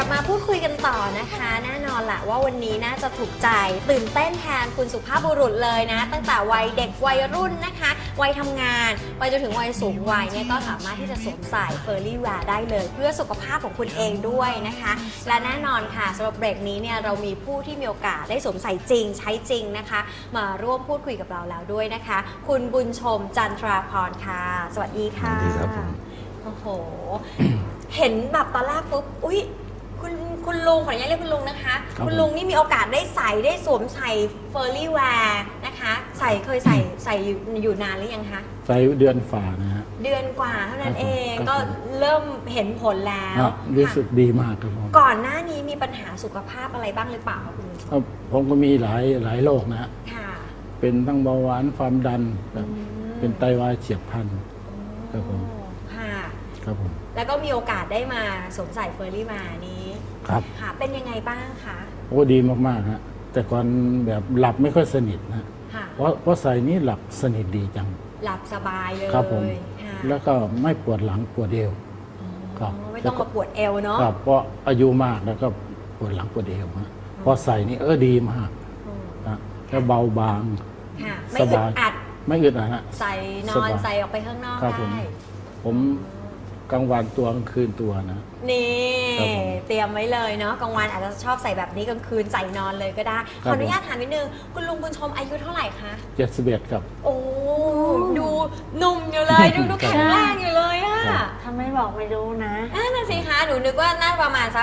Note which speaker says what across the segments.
Speaker 1: มาพูดคุยกันต่อนะคะแน่นอนแหละว่าวันนี้น่าจะถูกใจตื่นเต้นแทนคุณสุภาพบุรุษเลยนะตั้งแต่วัยเด็กวัยรุ่นนะคะวัยทำงานไปจนถึงวัยสูงวัยเนี่ยก็สามารถที่จะสวมใส่เฟอร์รี่แวร์ได้เลยเพื่อสุขภาพของคุณเองด้วยนะคะและแน่นอนค่ะสำหรับเบรกนี้เนี่ยเรามีผู้ที่มีโอกาสได้สวมใส่จริงใช้จริงนะคะมาร่วมพูดคุยกับเราแล้วด้วยนะคะคุณบุญชมจันทราพรค่ะสวัสดีค่ะ
Speaker 2: สวัสดีครับผม
Speaker 1: โอ้โห เห็นแบบตอนแรกปุ๊บอุ๊ยคุณลุงขออนุญาตเรียกคุณลุงนะคะคุณลุงนี่มีโอกาสได้สวมใส่เฟอร์รี่แวร์นะคะเคยใส่อยู่นานหรือยังคะ
Speaker 2: ใส่เดือนฝ่านะฮะ
Speaker 1: เดือนกว่าเท่านั้นเองก็เริ่มเห็นผลแล้ว
Speaker 2: รู้สึกดีมากครับผม
Speaker 1: ก่อนหน้านี้มีปัญหาสุขภาพอะไรบ้างหรือเปล่าคะคุณลุง
Speaker 2: ผมก็มีหลายโรคนะฮะเป็นทั้งเบาหวานความดันเป็นไตวายเฉียบพลันครับผมครับผม
Speaker 1: แล้วก็มีโอกาสได้มาสวมใส่เฟอร์รี่มานี้
Speaker 2: ครับ
Speaker 1: ค่ะเป็นยังไงบ้างคะ
Speaker 2: โอ้ดีมากๆฮะแต่ก่อนแบบหลับไม่ค่อยสนิทนะเพราะใส่นี้หลับสนิทดีจัง
Speaker 1: หลับสบายเลย
Speaker 2: ครับผมแล้วก็ไม่ปวดหลังปวดเอว
Speaker 1: ครับไม่ต้องมาปวดเอวเนาะ
Speaker 2: ครับเพราะอายุมากแล้วก็ปวดหลังปวดเอวฮะพอใส่นี่ดีมากนะแล้วเบาบาง
Speaker 1: สบาย
Speaker 2: ไม่อึดอัดฮะ
Speaker 1: ใส่นอนใส่ออกไปข้างนอกได้
Speaker 2: ผมกลางวันตัวกลางคืนตัวนะ
Speaker 1: นี่เตรียมไว้เลยเนาะกลางวันอาจจะชอบใส่แบบนี้กลางคืนใส่นอนเลยก็ได้ขออนุญาตถามนิดนึงคุณลุงบุญชมอายุเท่าไหร่คะ
Speaker 2: 71ครับ
Speaker 1: โอ้ดูหนุ่มอยู่เลยดูแข็งแรงอยู่เลยอะ
Speaker 3: ถ้าไม่บอกไม่รู้นะ
Speaker 1: นั่นสิคะหนูนึกว่าน่าประมาณสัก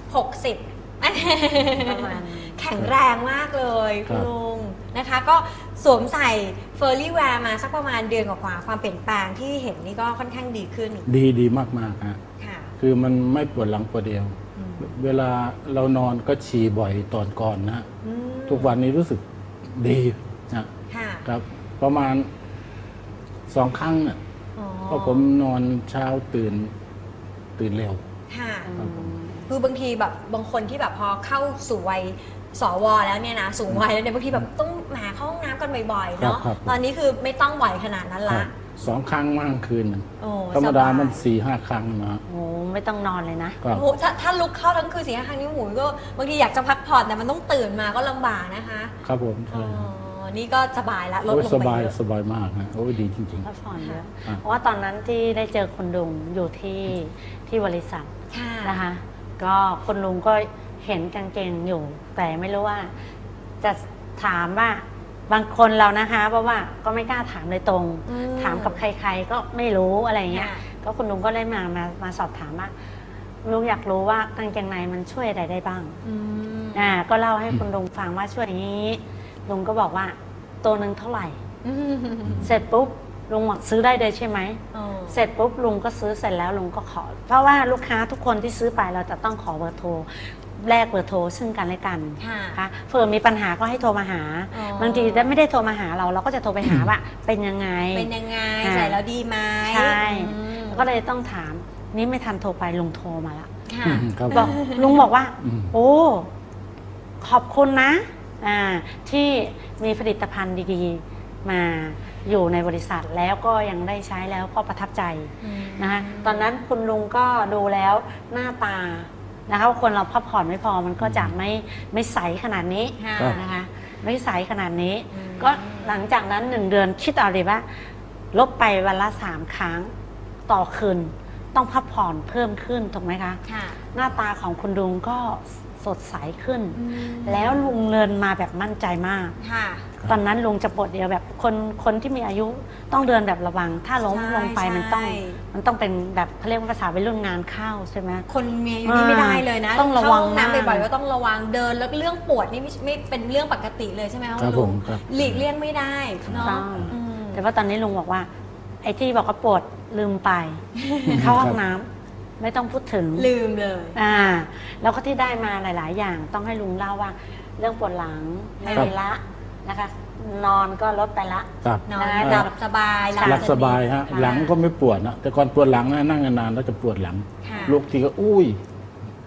Speaker 1: 60ประมาณแข็งแรงมากเลยคุณลุงนะคะก็สวมใส่เฟอร์รี่แวร์มาสักประมาณเดือนกว่าความเปลี่ยนแปลงที่เห็นนี่ก็ค่อนข้างดีขึ้น
Speaker 2: ดีมากๆฮะคือมันไม่ปวดหลังปวดเอวเวลาเรานอนก็ฉี่บ่อยตอนก่อนนะทุกวันนี้รู้สึกดีนะครับประมาณ2 ครั้งน่ะเพราะผมนอนเช้าตื่นเร็ว
Speaker 1: คือบางทีแบบบางคนที่แบบพอเข้าสู่วัยสวแล้วเนี่ยนะสูงวัยแล้วเนี่ยบางทีแบบต้องมาเข้าห้องน้ำกันบ่อยๆเนาะตอนนี้คือไม่ต้องบ่อยขนาดนั้นละ
Speaker 2: 2 ครั้งมั่งคืนธรรมดามัน4-5 ครั้งนะ
Speaker 3: โอ้ไม่ต้องนอนเลยนะ
Speaker 1: โอ้ถ้าลุกเข้าทั้งคืน4-5 ครั้งนี่หมูก็บางทีอยากจะพักผ่อนแต่มันต้องตื่นมาก็ลำบากนะคะ
Speaker 2: ครับผม
Speaker 1: นี่ก็สบายละลดลงไป
Speaker 2: สบายมากนะโอ้ดีจริงๆ
Speaker 3: พักผ่อนเยอะเพราะว่าตอนนั้นที่ได้เจอคุณลุงอยู่ที่บริษัทนะคะก็คุณลุงก็เห็นกางเกงอยู่แต่ไม่รู้ว่าจะถามว่าบางคนเรานะคะเพราะว่าก็ไม่กล้าถามโดยตรงถามกับใครๆก็ไม่รู้อะไรเงี้ยก็คุณลุงก็เลยมาสอบถามว่าลุงอยากรู้ว่ากางเกงในมันช่วยอะไรได้บ้างก็เล่าให้คุณลุงฟังว่าช่วยอย่างนี้ลุงก็บอกว่าตัวนึงเท่าไหร่เสร็จปุ๊บลุงบอกซื้อได้เลยใช่ไหมเสร็จปุ๊บลุงก็ซื้อเสร็จแล้วลุงก็ขอเพราะว่าลูกค้าทุกคนที่ซื้อไปเราจะต้องขอเบอร์โทรแลกเบอร์โทรซึ่งกันและกันค่ะเผื่อมีปัญหาก็ให้โทรมาหาบางทีไม่ได้โทรมาหาเราก็จะโทรไปหาว่าเป็นยังไง
Speaker 1: ใส่แล้วดีไหม
Speaker 3: ใช่ก็เลยต้องถามนี่ไม่ทันโทรไปลุงโทรมาละบอกลุงบอกว่าโอ้ขอบคุณนะที่มีผลิตภัณฑ์ดีๆมาอยู่ในบริษัทแล้วก็ยังได้ใช้แล้วก็ประทับใจนะคะตอนนั้นคุณลุงก็ดูแล้วหน้าตานะคะคนเราพักผ่อนไม่พอมันก็จะไม่ใสขนาดนี้นะคะไม่ใสขนาดนี้ก็หลังจากนั้น1 เดือนคิดเอาเลยว่าลบไปวันละ3 ครั้งต่อคืนต้องพักผ่อนเพิ่มขึ้นถูกไหมคะหน้าตาของคุณลุงก็สดใสขึ้นแล้วลุงเดินมาแบบมั่นใจมากตอนนั้นลุงจะปวดเดียวแบบคนที่มีอายุต้องเดินแบบระวังถ้าล้มลงไปมันต้องเป็นแบบเขาเรียกว่าภาษาวัยรุ่นงานเข้าใช่ไหม
Speaker 1: คนมีอายุนี่ไม่ได้เลยนะต้องระวังน้ำบ่อยๆก็ต้องระวังเดินแล้วเรื่องปวดนี่ไม่เป็นเรื่องปกติเลยใช่ไหมคะลุงหลีกเลี่ยงไม่ได้เนาะ
Speaker 3: แต่ว่าตอนนี้ลุงบอกว่าไอ้ที่บอกว่าปวดลืมไปเข้าห้องน้ำไม่ต้องพูดถึง
Speaker 1: ลืมเลย
Speaker 3: แล้วก็ที่ได้มาหลายๆอย่างต้องให้ลุงเล่าว่าเรื่องปวดหลังไม่มีละนะคะนอนก็ลดไปละ
Speaker 1: นอนหลับสบาย
Speaker 2: หลับสบายฮะหลังก็ไม่ปวดนะแต่ก่อนปวดหลังนะนั่งนานๆแล้วจะปวดหลังลุกทีก็อุ้ย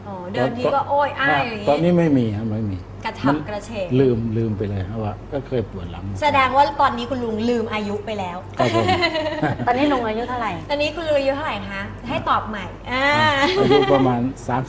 Speaker 1: เดินทีก็โอ้ยอ้ายอย่างนี้
Speaker 2: ตอนนี้ไม่มีครับไม่มี
Speaker 1: กระฉับกระเฉง
Speaker 2: ลืมไปเลยครับว่าก็เคยปวดหลัง
Speaker 1: แสดงว่าตอนนี้คุณลุงลืมอายุไปแล้ว
Speaker 2: ครับผม
Speaker 3: ตอนนี้ลุงอายุเท่าไหร่
Speaker 1: ตอนนี้คุณลุงอายุเท่าไหร่คะให้ตอบใหม่
Speaker 2: อายุประมาณ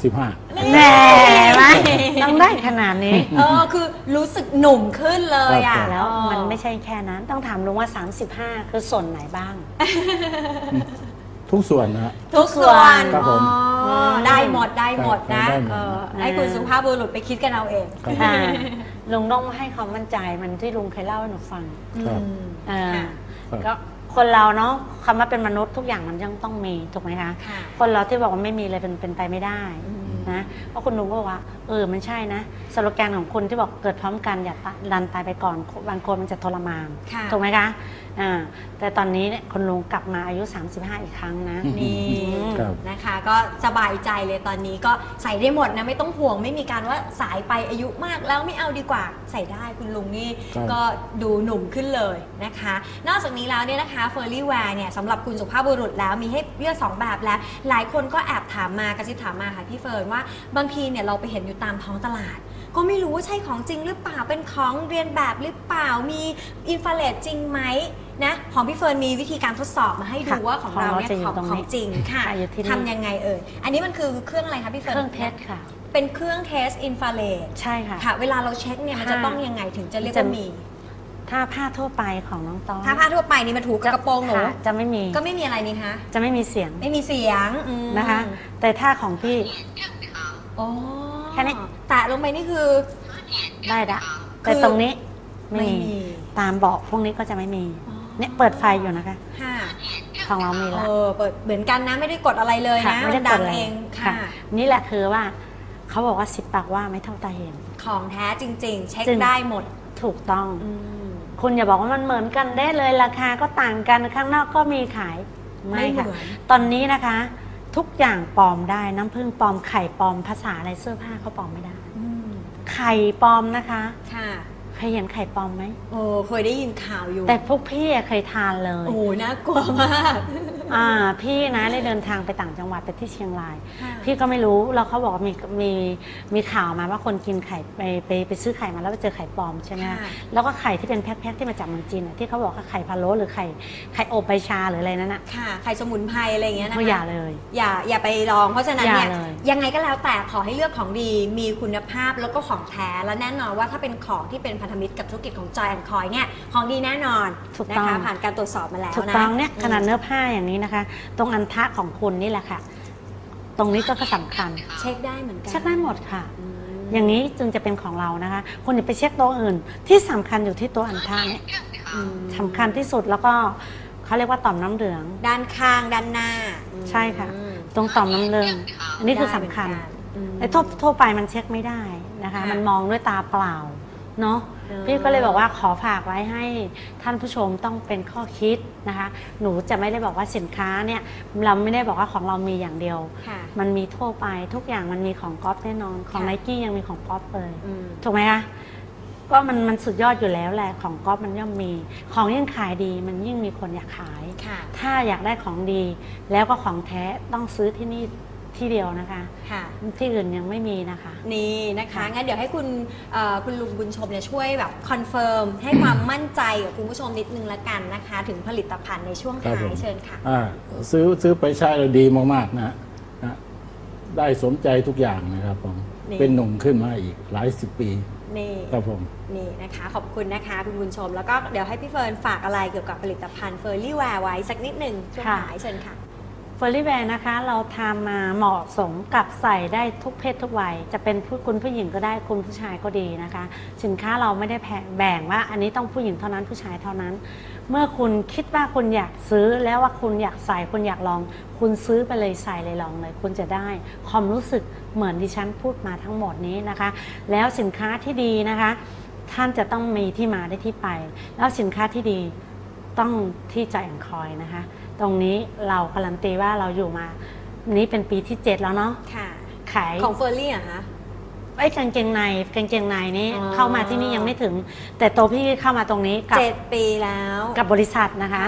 Speaker 2: 35
Speaker 3: แหมต้องได้ขนาดนี้
Speaker 1: คือรู้สึกหนุ่มขึ้นเลยอ่ะ
Speaker 3: แล้วมันไม่ใช่แค่นั้นต้องถามลุงว่า35คือส่วนไหนบ้าง
Speaker 2: ทุกส่วนนะ
Speaker 1: ทุกส่วน
Speaker 2: ครับผม
Speaker 1: ได้หมดนะ
Speaker 2: ได้หมด
Speaker 1: ให้คุณสุภาพบุรุษไปคิดกันเอาเอง
Speaker 3: ลุงต้องให้ความมั่นใจมันที่ลุงเคยเล่าให้หนูฟัง
Speaker 2: ครับ
Speaker 3: ก็คนเราเนาะคำว่าเป็นมนุษย์ทุกอย่างมันยังต้องมีถูกไหมคะ คนเราที่บอกว่าไม่มีเลยเป็นไปไม่ได้นะเพราะคุณลุงก็บอกว่ามันใช่นะสโลแกนของคุณที่บอกเกิดพร้อมกันอย่าดันตายไปก่อนบางคนมันจะทรมานถูกไหมคะแต่ตอนนี้เนี่ยคุณลุงกลับมาอายุ35อีกครั้งนะ
Speaker 1: นี่นะคะก็สบายใจเลยตอนนี้ก็ใส่ได้หมดนะไม่ต้องห่วงไม่มีการว่าสายไปอายุมากแล้วไม่เอาดีกว่าใส่ได้คุณลุงนี่ก็ดูหนุ่มขึ้นเลยนะคะนอกจากนี้แล้วเนี่ยนะคะเฟอร์รี่แวร์เนี่ยสำหรับคุณสุภาพบุรุษแล้วมีให้เลือก2แบบแล้วหลายคนก็แอบถามมากระซิบถามมาค่ะพี่เฟิร์นว่าบางทีเนี่ยเราไปเห็นอยู่ตามท้องตลาดก็ไม่รู้ว่าใช่ของจริงหรือเปล่าเป็นของเรียนแบบหรือเปล่ามีอินฟราเรดจริงไหมนะของพี่เฟิร์นมีวิธีการทดสอบมาให้ดูว่าของเราเนี่ยของจริงค่ะทำยังไงอันนี้มันคือเครื่องอะไรคะพี่เฟิร์น
Speaker 3: เครื่องเทสค่ะ
Speaker 1: เป็นเครื่องเทสอินฟราเรด
Speaker 3: ใช่ค่ะ
Speaker 1: เวลาเราเช็คเนี่ยมันจะต้องยังไงถึงจะเรียกว่ามี
Speaker 3: ถ้าผ้าทั่วไปของน้องตอง
Speaker 1: ถ้าผ้าทั่วไปนี่มาถูกกระโปรงหนู
Speaker 3: จะไม่มี
Speaker 1: ก็ไม่มีอะไรนี่คะ
Speaker 3: จะไม่มีเสียง
Speaker 1: นะคะ
Speaker 3: แต่ถ้าของพี่
Speaker 1: แค่นี้แตะลงไปนี่คือ
Speaker 3: ได้ละแต่ตรงนี้ไม่มีตามเบาะพวกนี้ก็จะไม่มีเนี่ยเปิดไฟอยู่นะคะของเรามีแล้ว
Speaker 1: เปิดเหมือนกันนะไม่ได้กดอะไรเลยนะ
Speaker 3: ไม่ได้
Speaker 1: ดั
Speaker 3: ง
Speaker 1: เอง
Speaker 3: ค่ะนี่แหละคือว่าเขาบอกว่า10 ปากว่าไม่เท่าตาเห็น
Speaker 1: ของแท้จริงๆเช็คได้หมด
Speaker 3: ถูกต้องคุณอย่าบอกว่ามันเหมือนกันได้เลยราคาก็ต่างกันข้างนอกก็มีขายไม่ค่ะตอนนี้นะคะทุกอย่างปลอมได้น้ำผึ้งปลอมไข่ปลอมภาษาอะไรเสื้อผ้าเขาปลอมไม่ได้ไข่ปลอมนะคะเคยเห็นไข่ปลอมไหม
Speaker 1: เคยได้ยินข่าวอยู่
Speaker 3: แต่พวกพี่เคยทานเลย
Speaker 1: น่ากลัวมาก
Speaker 3: พี่นะได้เดินทางไปต่างจังหวัดไปที่เชียงรายพี่ก็ไม่รู้แล้วเขาบอกมีข่าวมาว่าคนกินไข่ไปซื้อไข่มาแล้วไปเจอไข่ปลอมใช่ไหมแล้วก็ไข่ที่เป็นแพ็คๆที่มาจากเมืองจีนที่เขาบอกว่าไข่พะโล้หรือไข่อบใบชาหรืออะไรนั่นน่ะ
Speaker 1: ไข่สมุนไพรอะไรอย่างเงี้ยนะคะ
Speaker 3: อย่าเลย
Speaker 1: อย่าไปลองเพราะฉะนั้นเนี่ยยังไงก็แล้วแต่ขอให้เลือกของดีมีคุณภาพแล้วก็ของแท้และแน่นอนว่าถ้าเป็นของที่เป็นพันธมิตรกับธุรกิจของจอยแอนด์คอยเนี่ยของดีแน่นอนนะคะผ่านการตรวจสอบมาแล้วนะ
Speaker 3: ถูกต้องเนี่ยขนาดเนื้อผ้าอย่างนี้นะคะตรงอันทะของคุณนี่แหละค่ะตรงนี้ก็สำคัญ
Speaker 1: เช็คได้เหมือนกัน
Speaker 3: เช็คได้หมดค่ะอย่างนี้จึงจะเป็นของเรานะคะคนอย่าไปเช็คตัวอื่นที่สำคัญอยู่ที่ตัวอันทะเนี่ยสำคัญที่สุดแล้วก็เขาเรียกว่าต่อมน้ำเหลือง
Speaker 1: ด้านข้างด้านหน้า
Speaker 3: ใช่ค่ะตรงต่อมน้ำเหลืองอันนี้คือสำคัญไอ้ทั่วไปมันเช็คไม่ได้นะคะมันมองด้วยตาเปล่าเนาะพี่ก็เลยบอกว่าขอฝากไว้ให้ท่านผู้ชมต้องเป็นข้อคิดนะคะหนูจะไม่ได้บอกว่าสินค้าเนี่ยเราไม่ได้บอกว่าของเรามีอย่างเดียวมันมีทั่วไปทุกอย่างมันมีของก๊อฟแน่นอนของไนกี้ยังมีของก๊อฟเลยถูกไหมคะก็มันสุดยอดอยู่แล้วแหละของก๊อฟมันย่อมมีของยิ่งขายดีมันยิ่งมีคนอยากขายถ้าอยากได้ของดีแล้วก็ของแท้ต้องซื้อที่นี่ที่เดียวนะคะที่อื่นยังไม่มีนะคะ
Speaker 1: นี่นะคะงั้นเดี๋ยวให้คุณลุงบุญชมเนี่ยช่วยแบบคอนเฟิร์มให้ความมั่นใจกับคุณผู้ชมนิดนึงละกันนะคะถึงผลิตภัณฑ์ในช่วงท้ายเชิญค่ะ
Speaker 2: ซื้อไปใช้แล้วดีมากๆนะได้สมใจทุกอย่างนะครับผมเป็นหนุ่มขึ้นมาอีกหลาย10 ปี
Speaker 1: นี่
Speaker 2: ครับผม
Speaker 1: นี่นะคะขอบคุณนะคะคุณบุญชมแล้วก็เดี๋ยวให้พี่เฟิร์นฝากอะไรเกี่ยวกับผลิตภัณฑ์เฟอร์รี่แวร์ไว้สักนิดหนึ่งช่วงท้ายเชิญค่ะ
Speaker 3: เฟอร์รี่แวร์นะคะเราทำมาเหมาะสมกับใส่ได้ทุกเพศทุกวัยจะเป็นคุณผู้หญิงก็ได้คุณผู้ชายก็ดีนะคะสินค้าเราไม่ได้แบ่งว่าอันนี้ต้องผู้หญิงเท่านั้นผู้ชายเท่านั้นเมื่อคุณคิดว่าคุณอยากซื้อแล้วว่าคุณอยากใส่คุณอยากลองคุณซื้อไปเลยใส่เลยลองเลยคุณจะได้ความรู้สึกเหมือนที่ฉันพูดมาทั้งหมดนี้นะคะแล้วสินค้าที่ดีนะคะท่านจะต้องมีที่มาได้ที่ไปแล้วสินค้าที่ดีต้องที่จอยแอนด์คอยนะคะตรงนี้เราการันตีว่าเราอยู่มานี้เป็นปีที่7แล้วเนาะขาย
Speaker 1: ของเฟอร์รี่อะคะ
Speaker 3: ไอ้กางเกงในนี้เข้ามาที่นี่ยังไม่ถึงแต่ตัวพี่เข้ามาตรงนี้กับ
Speaker 1: 7 ปีแล้ว
Speaker 3: กับบริษัทนะคะ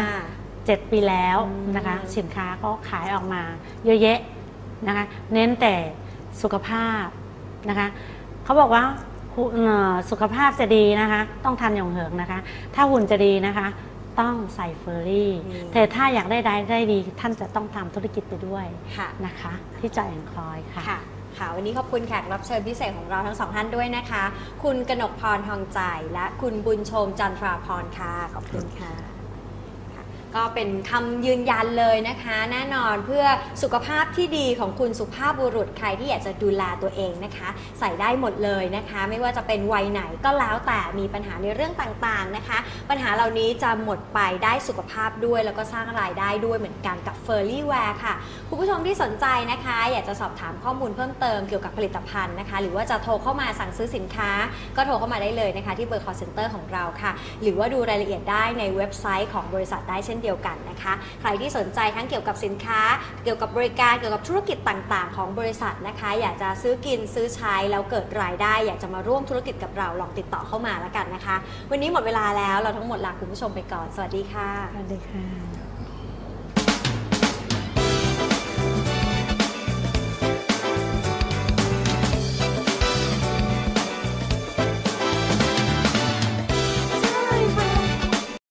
Speaker 3: 7 ปีแล้วนะคะสินค้าก็ขายออกมาเยอะแยะนะคะเน้นแต่สุขภาพนะคะเขาบอกว่าสุขภาพจะดีนะคะต้องทานหยงเหิงนะคะถ้าหุ่นจะดีนะคะต้องใส่เฟอร์รี่แต่ถ้าอยากได้ดีท่านจะต้องทำธุรกิจไปด้วยนะคะที่จอยแอนด์คอยค่ะ
Speaker 1: ค่ะวันนี้ขอบคุณแขกรับเชิญพิเศษของเราทั้งสองท่านด้วยนะคะคุณกนกพรทองใจและคุณบุญชมจันทราพรค่ะขอบคุณค่ะก็เป็นคำยืนยันเลยนะคะแน่นอนเพื่อสุขภาพที่ดีของคุณสุภาพบุรุษใครที่อยากจะดูแลตัวเองนะคะใส่ได้หมดเลยนะคะไม่ว่าจะเป็นวัยไหนก็แล้วแต่มีปัญหาในเรื่องต่างๆนะคะปัญหาเหล่านี้จะหมดไปได้สุขภาพด้วยแล้วก็สร้างรายได้ด้วยเหมือนกันกับเฟอร์รี่แวร์ค่ะคุณผู้ชมที่สนใจนะคะอยากจะสอบถามข้อมูลเพิ่มเติมเกี่ยวกับผลิตภัณฑ์นะคะหรือว่าจะโทรเข้ามาสั่งซื้อสินค้าก็โทรเข้ามาได้เลยนะคะที่เบอร์ call center ของเราค่ะหรือว่าดูรายละเอียดได้ในเว็บไซต์ของบริษัทได้เช่นเดียวกันนะคะใครที่สนใจทั้งเกี่ยวกับสินค้าเกี่ยวกับบริการเกี่ยวกับธุรกิจต่างๆของบริษัทนะคะอยากจะซื้อกินซื้อใช้แล้วเกิดรายได้อยากจะมาร่วมธุรกิจกับเราลองติดต่อเข้ามาแล้วกันนะคะวันนี้หมดเวลาแล้วเราทั้งหมดลาคุณผู้ชมไปก่อนสวัสดีค่ะ
Speaker 3: สวัสดีค่ะ